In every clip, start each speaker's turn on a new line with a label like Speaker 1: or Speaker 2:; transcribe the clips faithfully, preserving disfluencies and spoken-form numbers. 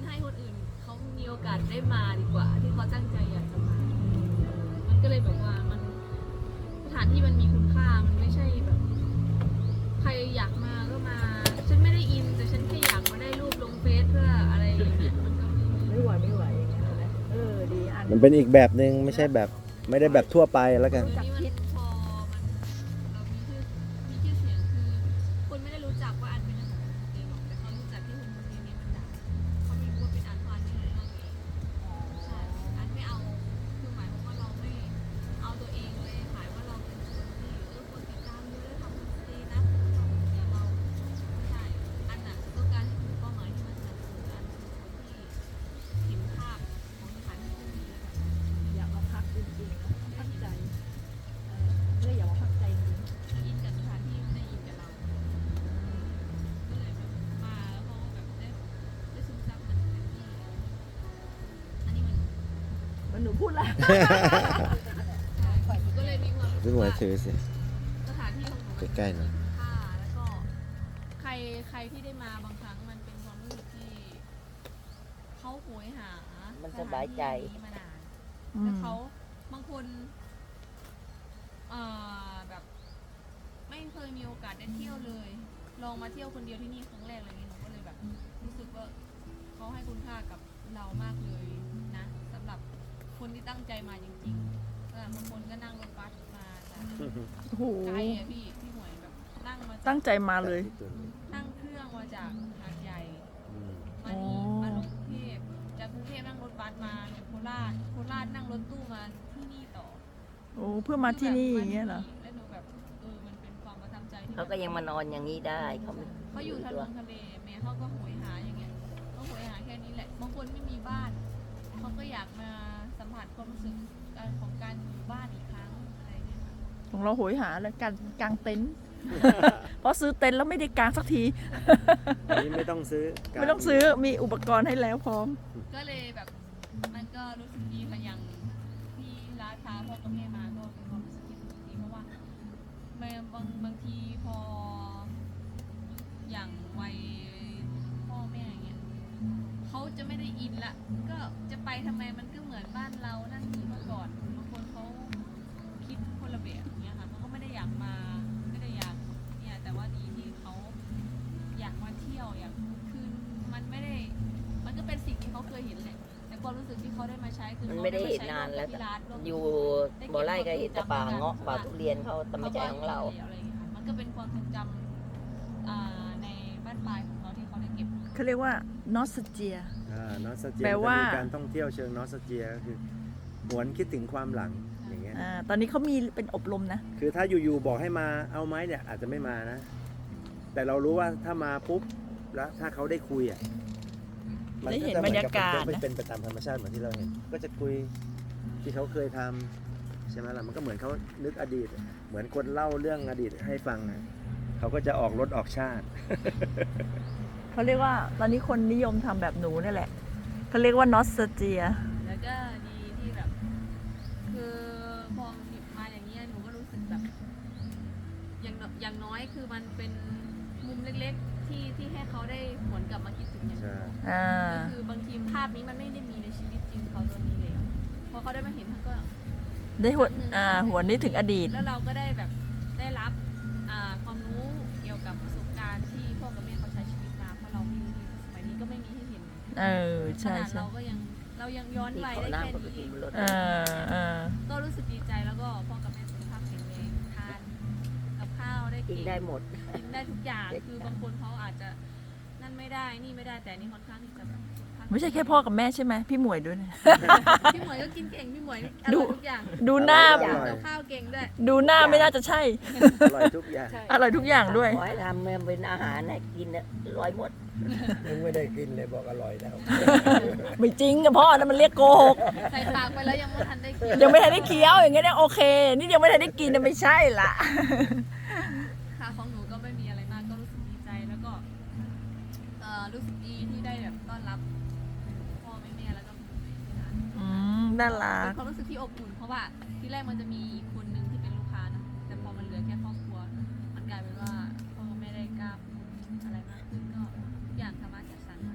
Speaker 1: ให้คนอื่นเขามีโอกาสได้มาดีกว่าที่เขาตั้งใจอยากจะมามันก็เลยแบบว่ามันสถานที่มันมีคุณค่ามันไม่ใช่แบบใครอยากมาก็มาฉันไม่ได้อินแต่ฉันแค่อยากมาได้รูปลงเฟซเพื่ออะไรอย่างเงี้ยมันก็
Speaker 2: ไม่ไหวไม่ไหวอย่างเงี้ยนะเออดีอัน
Speaker 3: มันเป็นอีกแบบหนึ่งไม่ใช่แบบไม่ได้แบบทั่วไปแล้วกัน
Speaker 1: เดี๋ยวนี้มันพอมันเรามีชื่อมีชื่อเสียงคือคนไม่ได้รู้จักว่าอันเป็นอันของตัวเองหรอกแต่เขารู้จักที่คนคนนี้นี้มันดังเขาไม่รู้ว่าเป็นอันเพราะอันไม่รู้เรื่องเองใช่อันไม่เอาคือหมายความว่าเราไม่เอาตัวเองไปขายว่าเราเป็นคนที่เออคนติดตามเยอะแล้วทำมันดีนะเดี๋ยวเราใช่อันน่ะต้องการให้ถึงเป้าหมายที่มันจะคืออันคือคนที่เห็นภาพของสถานที่พวกนี้แล้วแบบ
Speaker 2: อยากมาพักจริงๆนะพักใจเออไม่ได้อยากมาพักใจจริง
Speaker 1: อินกับสถานที่ไม่ได้อินกับเรา ก็เลยแบบมาแล้วเขาแบบได้ได้ซึมซับมันเต็มที่อันนี้มัน
Speaker 2: มันหนูพูดละ
Speaker 1: ใช่ก็เลยมีความรู้สึ
Speaker 3: พี่
Speaker 1: ก
Speaker 3: หมวย
Speaker 1: ว่า
Speaker 3: ถือสิ
Speaker 1: สถานที่ของหนูมัน
Speaker 3: ใกล้ๆหน่อย
Speaker 1: มีค่าแล้วก็ใครใครที่ได้มาบางครั้งมันเป็นความรู้สึกที่เขาโหยหา
Speaker 4: มันสบายใจ
Speaker 1: สถานที่นี้มานานแล้วเขาบางคนเอ่อแบบไม่เคยมีโอกาสได้เที่ยวเลย ลองมาเที่ยวคนเดียวที่นี่ครั้งแรกอะไรอย่างเงี้ยหนูก็เลยแบบรู้สึกว่าเขาให้คุณค่ากับเรามากเลยนะสำหรับคนที่ตั้งใจมาจริงๆแต่บางคนก็นั่งรถบัสมาจาก
Speaker 2: โอ้โห
Speaker 1: ไกลอะพี่พี่หมวยแบบนั่งมาจาก
Speaker 2: ตั้งใจมาเลย
Speaker 1: นั่งเครื่องมาจากหาดใหญ่
Speaker 3: อืม
Speaker 1: มานี่มาลงกรุงเทพจากกรุงเทพนั่งรถบัสมาโคราชโคราชนั่งรถตู้มาที่นี่ต่อ
Speaker 2: โอ้เพื่อมาที่นี่อย่างเงี้ยเหรอ
Speaker 1: แล้วหนูแบบเออมันเป็นความประทับใจที่
Speaker 4: เขาก็ยังมานอนอย่างนี้ได้เขาไม่
Speaker 1: เขาอยู่ทะเลทะเลแม่เขาก็โหยหาอย่างเงี้ยเขาโหยหาแค่นี้แหละบางคนไม่มีบ้านเขาก็อยากมาสัมผัสความรู้สึกการของการอยู่บ้านอีกครั้งอะไรอย่างเงี้ยค่ะ
Speaker 2: ของเราโหยหาแล้วการกางเต็นท์ เพราะซื้อเต็นท์แล้วไม่ได้กางสักที
Speaker 3: อันนี้ไม่ต้องซื้อ
Speaker 2: ไม่ต้องซื้อมีอุปกรณ์ให้แล้วพร้อม
Speaker 1: ก็เลยแบบมันก็รู้สึกดีค่ะอย่างที่ร้านค้าพ่อกับแม่มาก็เป็นความรู้สึกที่รู้สึกดีเพราะว่าบางบางบางทีพออย่างวัยพ่อแม่อย่างเงี้ยเขาจะไม่ได้อินละก็จะไปทำไมมันก็เหมือนบ้านเรานั่นคือเมื่อก่อนบางคนเขาคิดคนละแบบอย่างเงี้ยค่ะเขาก็ไม่ได้อยากมาไม่ได้อยากเนี่ยแต่ว่าดีที่เขาอยากมาเที่ยวอยากคือมันไม่ได้ มันก็เป็นสิ่งที่เขาเคยเห็นแหละแต่ความรู้สึกที่เขาได้มาใช้คือ
Speaker 4: มัน
Speaker 1: เขา
Speaker 4: ไม่ได้เห็น
Speaker 1: ใช้
Speaker 4: นานแล้ว
Speaker 1: ที่ร้านร่วม
Speaker 4: อยู่บ่อไร่ก็เห็นแต่ป่าเงาะป่าทุเรียนเขาแต่ไม่ใช่ของเรา
Speaker 1: อะไรอย่างเงี้ยค่ะมันก็เป็นความทรงจำอ่าในบ้านปลายของเขาที่เขาได้เก็บ
Speaker 2: เขาเรียกว่านอสเจีย
Speaker 3: อ่านอสเจีย
Speaker 2: แปลว่า
Speaker 3: มีการท่องเที่ยวเชิงนอสเจียก็คือหวนคิดถึงความหลังอย่างเงี้ย
Speaker 2: อ่าตอนนี้เขามีเป็นอบรมนะ
Speaker 3: คือถ้าอยู่ๆบอกให้มาเอาไหมเนี่ยอาจจะไม่มานะ แต่เรารู้ว่าถ้ามาปุ๊บแล้วถ้าเขาได้คุยอ่ะ
Speaker 2: ได้เห็นบรรยากาศนะ
Speaker 3: มันเป็นไปตามธรรมชาติเหมือนที่เราเห็น ก็จะคุยที่เขาเคยทำใช่ไหมล่ะมันก็เหมือนเขานึกอดีต เหมือนคนเล่าเรื่องอดีตให้ฟังอะเขาก็จะออกรถออกชาติ
Speaker 2: เขาเรียกว่าตอนนี้คนนิยมทำแบบหนูนี่แหละเขาเรียกว่านอสเจีย
Speaker 1: แล้วก็ดีที่แบบ คือพอมาอย่างเงี้ยหนูก็รู้สึกแบบ อย่างน้อยอย่างน้อยคือมันเป็นมุมเล็กๆ ที่ที่ให้เขาได้หวนกลับมาคิดถึงอย่าง
Speaker 3: ใช่
Speaker 1: นี้
Speaker 2: อ่า
Speaker 1: ก็คือบางทีภาพนี้มันไม่ได้มีในชีวิตจริงเขาตอนนี้เลยอะพอเขาได้มาเห็นเขาก็
Speaker 2: ได้หัวอ่าหัวนี้ถึงอดีต
Speaker 1: แล้วเราก็ได้แบบได้รับอ่าความรู้เกี่ยวกับประสบการณ์ที่พ่อกับแม่เขาใช้ชีวิตมาเพราะเราไม่มีสมัยนี้ก็ไม่มีให้เห็น
Speaker 2: เออ
Speaker 1: ข
Speaker 2: ใช่
Speaker 1: นาด
Speaker 2: ใช่
Speaker 1: เราก็ยังเรายังย้อน
Speaker 4: ที่
Speaker 1: วัย
Speaker 4: ขอ
Speaker 1: ได้
Speaker 4: น้ำ
Speaker 1: แค่
Speaker 4: เขาไป
Speaker 1: นี้
Speaker 4: กินบนรถ
Speaker 2: เออเออ
Speaker 1: ก็รู้สึกดีใจแล้วก็พ่อกับแม่สุขภาพแข็งแรงทานกับข้าวได้
Speaker 4: กิ
Speaker 1: กิ
Speaker 4: นได้หมด
Speaker 1: กินได้ทุกอย่าง
Speaker 4: เด็ด
Speaker 1: คือบางคนเขาอาจจะนั่นไม่ได้นี่ไม่ได้แต่นี่ค่อนข้างที่จะแบบสุขภาพ
Speaker 2: ไม่ใช่แค่พ่อกับแม่ใช่ไหมพี่หมวยด้วยนะ
Speaker 1: พี่หมวยก็กินเก่งพี่หมวยนี่อ
Speaker 2: ดู
Speaker 1: ร่อยทุกอย่าง
Speaker 2: ดูหน้า
Speaker 3: อร่อย
Speaker 1: กับข้าวเก่งด้วย
Speaker 2: ดูหน้าไม่น่าจะใช่
Speaker 3: อร่อยทุกอย่าง
Speaker 2: อร่อยทุกอย่างด้วย
Speaker 4: ขอให้ทำเป็นอาหารให้กินน่ะร้อยหมด
Speaker 3: ยังไม่ได้กินเลยบอกอร่อยแล้ว
Speaker 2: ไม่จริงกับพ่อนะมันเรียกโกหก
Speaker 1: ใส่ปากไปแล้วยังไม่ทันได้กิน
Speaker 2: ยังไม่ทันได้เคี้ยวอย่างเงี้ยเนี่ยโอเค นี่ยังไม่ทันได้กินนะไม่ใช่ละ
Speaker 1: ค่ะของหนูก็ไม่มีอะไรมากก็รู้สึกดีใจแล้วก็เอ่อรู้สึกดีที่ได้แบบต้อนรับพ่อแม่แม่แล้วก็พี่หมวยที่ร้าน
Speaker 2: อืมน่ารั
Speaker 1: เป็
Speaker 2: ก
Speaker 1: นความรู้สึกที่อบอุ่นเพราะว่าที่แรกมันจะมีอีกคนนึงที่เป็นลูกค้านะแต่พอมันเหลือแค่ครอบครัว มันกลายเป็นว่าพ่อแม่ได้กล้าพูดอะไรมากขึ้นก็ทุกอย่างสามารถจัดสรรมา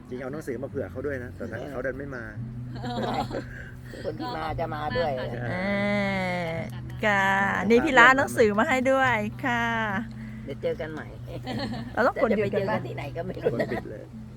Speaker 3: จริงเอาหนังสือมาเผื่อเขาด้วยนะ แต่เขาเดินไม่มา
Speaker 4: คนที่มาจะมาด้วย
Speaker 1: ก็ขอบคุณมาก
Speaker 2: เอ
Speaker 1: ค่ะ
Speaker 2: อค่ะนี่พี่ร้านหนังสือมาให้ด้วยค่ะ
Speaker 4: เดี๋ยวเจอกันใหม่
Speaker 2: เราต้องกด
Speaker 4: จะ
Speaker 2: หยุ
Speaker 4: ไป
Speaker 2: ด
Speaker 4: เจ
Speaker 2: กัน
Speaker 4: อ
Speaker 2: ปะ
Speaker 4: กันที่ไหนก็ไม่
Speaker 3: ค
Speaker 4: รู้
Speaker 3: นปิดเลย